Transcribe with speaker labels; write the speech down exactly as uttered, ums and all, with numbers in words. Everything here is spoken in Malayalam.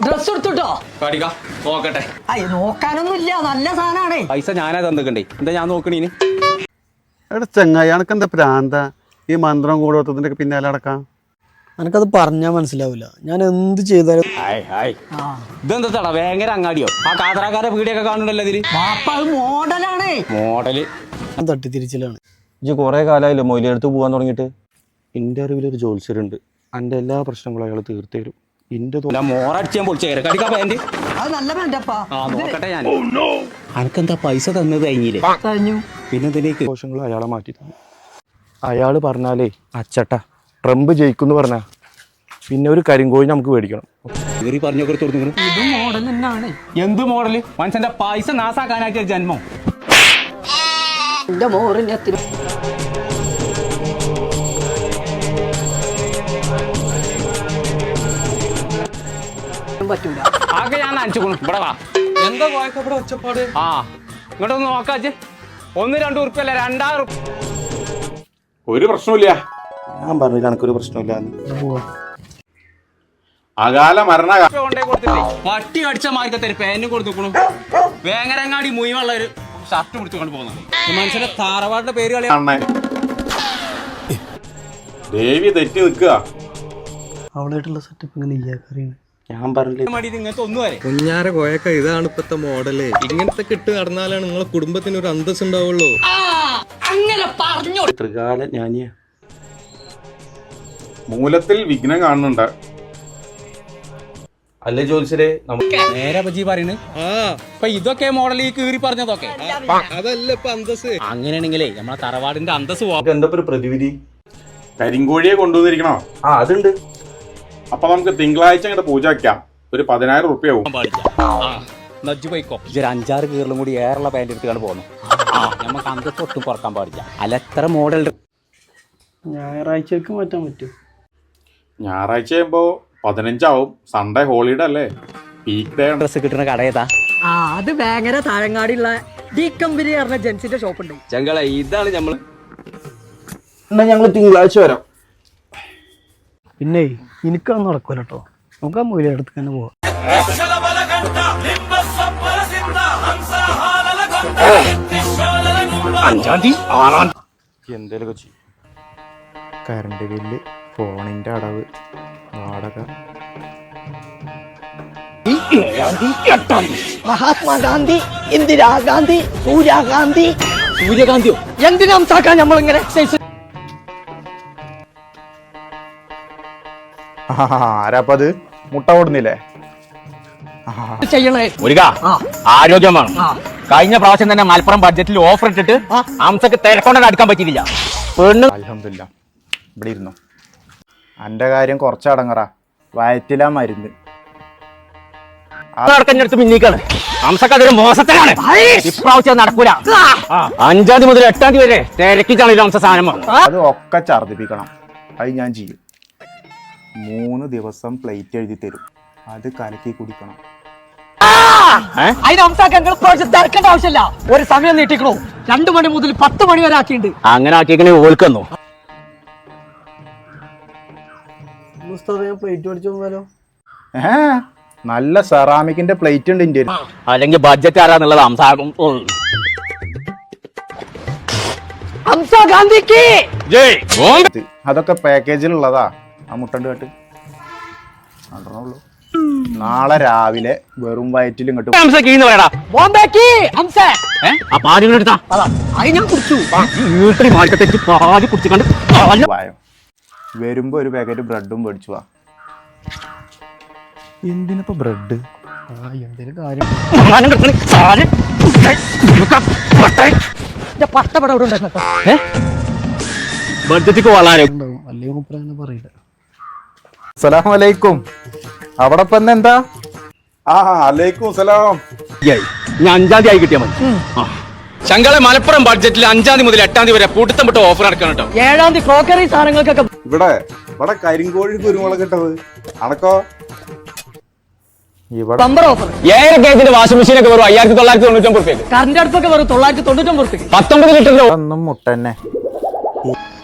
Speaker 1: ഡ്രസ് എടുത്തിട്ടോ
Speaker 2: നോക്കട്ടെ.
Speaker 1: അയ്യ നോക്കാനൊന്നും ഇല്ല, നല്ല സാധനമാണ്.
Speaker 2: പൈസ ഞാനാ തന്നിക്കണ്ടേ, എന്താ ഞാൻ നോക്കണീന്?
Speaker 3: എടാ ചങ്ങായി എനക്ക് എന്താ പ്രാന്ത ഈ മന്ത്രം കൂടോത്തതിന്റെ പിന്നാലെ അടക്കാം.
Speaker 4: എനിക്കത് പറഞ്ഞാൽ മനസ്സിലാവില്ല. ഞാൻ എന്ത് ചെയ്താലും
Speaker 2: ഇതെന്താ ഭയങ്കര അങ്ങാടിയോ? ആ കാതറാക്കാരെ വീടിയൊക്കെ കാണുന്നുണ്ടല്ലോ ഇതില്.
Speaker 1: മോഡലാണ്
Speaker 2: മോഡല്
Speaker 4: തട്ടിത്തിരിച്ചിലാണ്.
Speaker 5: ഇജ്ജ് കുറെ കാലമായില്ലേ മൊയിലെടുത്ത് പോകാൻ തുടങ്ങിയിട്ട്. എൻ്റെ അറിവിലൊരു ജോത്സ്യരുണ്ട്, എൻ്റെ എല്ലാ പ്രശ്നങ്ങളും അയാൾ തീർത്തു തരും. ഇന്റെ
Speaker 2: മോറടിച്ചാൻ പൊളിച്ചേരെ കടിക്കാ പാന്റ്.
Speaker 1: അത് നല്ല പാന്റപ്പാ.
Speaker 2: ആ നോക്കട്ടെ ഞാൻ. അനക്കെന്താ പൈസ തന്നത് കഴിഞ്ഞില്ലേ?
Speaker 1: കഴിഞ്ഞു.
Speaker 2: പിന്നെ ഇതിലേക്ക്
Speaker 5: ദോഷങ്ങൾ അയാളെ മാറ്റി തന്നു. അയാൾ പറഞ്ഞാലേ അച്ചട്ട ട്രംപ് ജയിക്കുമെന്ന് പറഞ്ഞാ പിന്നെ ഒരു കരിങ്കോഴി നമുക്ക് മേടിക്കണം.
Speaker 2: പറഞ്ഞൊക്കെ തുറന്നു.
Speaker 1: ഇത് മോഡൽ തന്നെയാണ്.
Speaker 2: എന്ത് മോഡല്? മനുഷ്യന്റെ പൈസ നാസാക്കാനാക്കിയ ജന്മം.
Speaker 1: എന്റെ മോറിന് എത്തി പറ്റൂല.
Speaker 2: ആകെ ഞാൻ നനച്ചുകൊണു. ഇവിടെ വാ.
Speaker 5: എന്താ വായിക്കപ്പെടെ ഒച്ചപ്പാട്?
Speaker 2: ആ ഇങ്ങോട്ടൊന്ന് നോക്കാച്ച്. ഒന്ന് രണ്ട് ഉറുപ്പല്ല രണ്ടായിരം.
Speaker 3: ഒരു പ്രശ്നമില്ല.
Speaker 5: ഞാൻ പറഞ്ഞു കണക്കൊരു പ്രശ്നമില്ല.
Speaker 3: അകാല മരണ
Speaker 2: കൊണ്ടേ കൊടുത്തില്ലേ? പട്ടി അടിച്ച മാർക്കത്തെ പേനും കൊടുത്തുക്കണു. വേങ്ങരങ്ങാടി മുയിവുള്ള ഒരു ഷർട്ട് പിടിച്ചുകൊണ്ട് പോകുന്നു. മനുഷ്യന്റെ താറവാടിന്റെ പേര് കളി.
Speaker 3: ദേവി തെറ്റി നിൽക്കുക.
Speaker 4: അവളായിട്ടുള്ള സെറ്റപ്പ് ഇങ്ങനെ ഇയാക്കറിയാണ്.
Speaker 5: ഞാൻ പറഞ്ഞില്ലേ
Speaker 2: ഇങ്ങനത്തെ ഒന്നും വരെ
Speaker 6: കുഞ്ഞാര കോയക്ക ഇതാണ് ഇപ്പത്തെ മോഡല്. ഇങ്ങനത്തെ കിട്ട് നടന്നാലാണ് നിങ്ങളെ കുടുംബത്തിന് ഒരു അന്തസ് ഉണ്ടാവുള്ളൂ.
Speaker 1: അങ്ങനെ പറഞ്ഞു.
Speaker 5: ത്രികാല ഞാനിയ
Speaker 3: മൂലത്തിൽ വിഘ്നം കാണുന്നുണ്ട്.
Speaker 5: അല്ലേ ജോത്സ്യരെ?
Speaker 2: നേരെ പറ്റി പറയുന്നു.
Speaker 6: ആ
Speaker 2: ഇപ്പൊ ഇതൊക്കെ മോഡൽ ഈ കീറി പറഞ്ഞതൊക്കെ.
Speaker 6: അതല്ല ഇപ്പൊ അന്തസ്.
Speaker 2: അങ്ങനെയാണെങ്കിലേ നമ്മളെ തറവാടിന്റെ അന്തസ് പോവാം.
Speaker 5: എന്താ ഒരു പ്രതിവിധി?
Speaker 3: കരിങ്കോഴിയെ കൊണ്ടുവന്നിരിക്കണോ?
Speaker 5: ആ അതുണ്ട്.
Speaker 3: അപ്പൊ നമുക്ക് തിങ്കളാഴ്ച അങ്ങോട്ട് പൂജ വയ്ക്കാം. ഒരു പതിനായിരം റുപ്യ ആവും.
Speaker 2: നജ്ജു പോയിക്കോ. ഒരു അഞ്ചാറ് കീറിലും കൂടി ഏറുള്ള പാൻറ് എടുത്താണ് പോകുന്നു. നമുക്ക് അന്തസ് ഒട്ടും കുറക്കാൻ പാടില്ല. അല്ല എത്ര മോഡൽ
Speaker 4: ഞായറാഴ്ചക്ക് മാറ്റാൻ പറ്റും.
Speaker 3: ഞായറാഴ്ച ആകുമ്പോ പതിനഞ്ചാവും. സൺഡേ ഹോളിഡേ അല്ലേ, പീക്ക് ഡേ.
Speaker 2: ഡ്രസ് കിട്ടുന്ന കട ഏതാ?
Speaker 1: ആ അത് ഭയങ്കര താഴങ്ങാടിയുള്ള ഡി കമ്പനി പറഞ്ഞ ജെൻസിന്റെ ഷോപ്പ് ഉണ്ട്.
Speaker 2: ചങ്കള ഇതാണ് നമ്മള്.
Speaker 5: എന്നാ ഞങ്ങൾ തിങ്കളാഴ്ച വരാം.
Speaker 4: പിന്നെ എനിക്കത് നടക്കൂല കേട്ടോ. നമുക്ക് ആ മൂലയെടുത്ത് തന്നെ പോവാം.
Speaker 5: എന്തേലൊക്കെ ചെയ്യും. കറണ്ട് ബില്ല്, ഫോണിന്റെ അടവ്, വാടക.
Speaker 1: മഹാത്മാഗാന്ധി, ഇന്ദിരാഗാന്ധി, സൂര്യാഗാന്ധി.
Speaker 2: സൂര്യകാന്തിയോ?
Speaker 1: എന്തിനാ ഹംസാക്കാൻ നമ്മളിങ്ങനെ എക്സസൈസ്
Speaker 5: ആരാപ്പത് മുട്ട ഓടുന്നില്ലേ?
Speaker 1: ചെയ്യണേ?
Speaker 2: മുരുക ആരോഗ്യമാണ്. കഴിഞ്ഞ പ്രാവശ്യം തന്നെ മലപ്പുറം ബഡ്ജറ്റിൽ ഓഫർ ഇട്ടിട്ട് ഹംസക്ക് തിരക്കൊണ്ടത് അടുക്കാൻ പറ്റിയില്ല.
Speaker 5: അൽഹംദുലില്ലാ. ഇവിടെ ഇരുന്നു. എന്റെ കാര്യം കുറച്ചടങ്ങറ. വയറ്റിലാ മരുന്ന്.
Speaker 2: നടക്കഞ്ഞെടുത്ത് പിന്നീക്കാണ്. ഹംസക്ക് അതൊരു മോശത്തിലാണ്. ഇപ്രാവശ്യം നടക്കൂല. അഞ്ചാം തീയതി മുതൽ എട്ടാം തീയതി വരെ തിരക്കിച്ചാണ് ഹംസ സാധനം.
Speaker 5: അത് ഒക്കെ ഛർദിപ്പിക്കണം. അത് ഞാൻ ചെയ്യും. മൂന്ന് ദിവസം പ്ലേറ്റ് എഴുതി തരും. അത് കലക്കി കുടിക്കണം.
Speaker 1: അതിന് ഹംസാക്കാൻ തിരക്കേണ്ട ആവശ്യമില്ല. ഒരു സമയം നീട്ടിക്കണോ? രണ്ടു മണി മുതൽ പത്ത് മണി വരെ ആക്കിയിട്ടുണ്ട്.
Speaker 2: അങ്ങനെ ആക്കിയെങ്കിൽ ഓൽക്കുന്നു.
Speaker 4: പ്ലേറ്റ് മേടിച്ചു പോകാലോ?
Speaker 5: ഏ നല്ല സെറാമിക്കിന്റെ പ്ലേറ്റ് ഉണ്ട് ഇന്ത്യയിൽ.
Speaker 2: അല്ലെങ്കിൽ ബഡ്ജറ്റ് ആരാന്നുള്ളത് ഹംസ.
Speaker 1: ഹംസാഗാന്ധിക്ക്
Speaker 5: അതൊക്കെ പാക്കേജിലുള്ളതാ. ആ മുട്ടണ്ട് കേട്ട് നടണുള്ളൂ. നാളെ രാവിലെ വെറും വയറ്റിലും കിട്ടും. വരുമ്പോ ഒരു പാക്കറ്റ് ബ്രെഡും മേടിച്ചു വാ. എന്തിനപ്പോ ബ്രെഡ്?
Speaker 4: ആ എന്തെങ്കിലും കാര്യം
Speaker 1: പട്ടപടം ഇവിടെ ഉണ്ടായിരുന്നു.
Speaker 2: ബഡ്ജറ്റ് വളരെ
Speaker 4: ഉണ്ടാവും. അല്ലെങ്കിൽ മുപ്പറങ്ങനെ പറയില്ല.
Speaker 5: അസ്സലാമു അലൈക്കും. അവിടെ ഇപ്പൊ എന്താ?
Speaker 3: ആ അലൈക്കും സലാം.
Speaker 2: ഞാൻ അഞ്ചാം തീയതി ആയി കിട്ടിയാൽ മതി. ശങ്കളെ മലപ്പുറം ബഡ്ജറ്റിൽ അഞ്ചാം തീയതി മുതൽ എട്ടാം തീയതി വരെ പൂട്ടത്തം വിട്ട് ഓഫർ നടക്കണം കേട്ടോ.
Speaker 1: ഏഴാം തീയതി ക്രോക്കറി സാധനങ്ങൾക്കൊക്കെ
Speaker 3: ഇവിടെ ഇവിടെ കരിങ്കോഴി കുരുമുളക് ഇട്ടത് അണക്കോ.
Speaker 5: ഇവിടെ
Speaker 1: ബമ്പർ ഓഫർ.
Speaker 2: ഏഴര കേജിന്റെ വാഷിംഗ് മെഷീൻ ഒക്കെ വെറും അയ്യായിരത്തി തൊള്ളായിരത്തി തൊണ്ണൂറ്റി ഒമ്പത് റുപ്യ.
Speaker 1: കറണ്ട് അടുപ്പൊക്കെ വെറും തൊള്ളായിരത്തി തൊണ്ണൂറ്റി ഒമ്പത് റുപ്യ.
Speaker 2: പത്തൊമ്പത് ലിറ്ററിന്റെ
Speaker 5: ഒന്നും മുട്ടന്നെ.